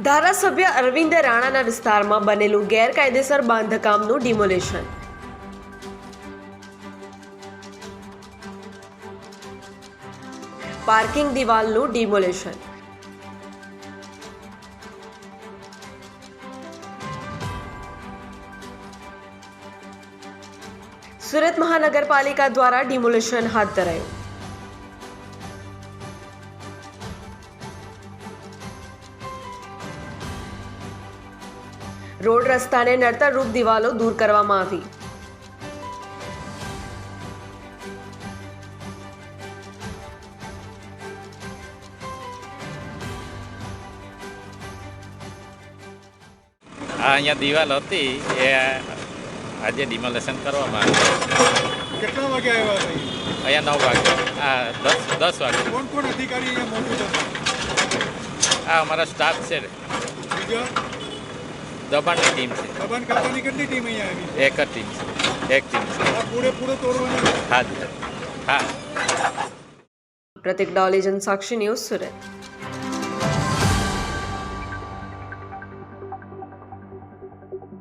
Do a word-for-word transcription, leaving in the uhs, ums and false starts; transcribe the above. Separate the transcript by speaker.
Speaker 1: ધારાસભ્ય અરવિંદ રાણાના વિસ્તારમાં બનેલું ગેરકાયદેસર બાંધકામનું ડિમોલેશન. પાર્કિંગ દિવાલનું ડિમોલેશન. સુરત મહાનગરપાલિકા દ્વારા ડિમોલેશન હાથ ધરાયું. રોડ રસ્તાને નડતરરૂપ દિવાલો દૂર કરવામાં આવી.
Speaker 2: આ અહીંયા દિવાલ હતી એ આજે ડિમોલેશન કરવામાં આવી.
Speaker 3: કેટલા વાગે આવ્યા હતા?
Speaker 2: અહીંયા નવ વાગે આ દસ દસ વાગે.
Speaker 3: કોણ કોણ અધિકારી અહીંયા મોજૂદ હતા?
Speaker 2: આ અમારા સ્ટાફ છે,
Speaker 3: બીજા
Speaker 2: દબાણની ટીમ છે.
Speaker 3: દબાણ ખાતાની કેટલી ટીમ અહીંયા આવી?
Speaker 2: એક જ ટીમ છે, એક ટીમ છે.
Speaker 3: આ પૂરેપૂરો તોડવાના?
Speaker 2: હા હા.
Speaker 1: પ્રતિક ડોલી, જનસાક્ષી ન્યૂઝ, સુરત.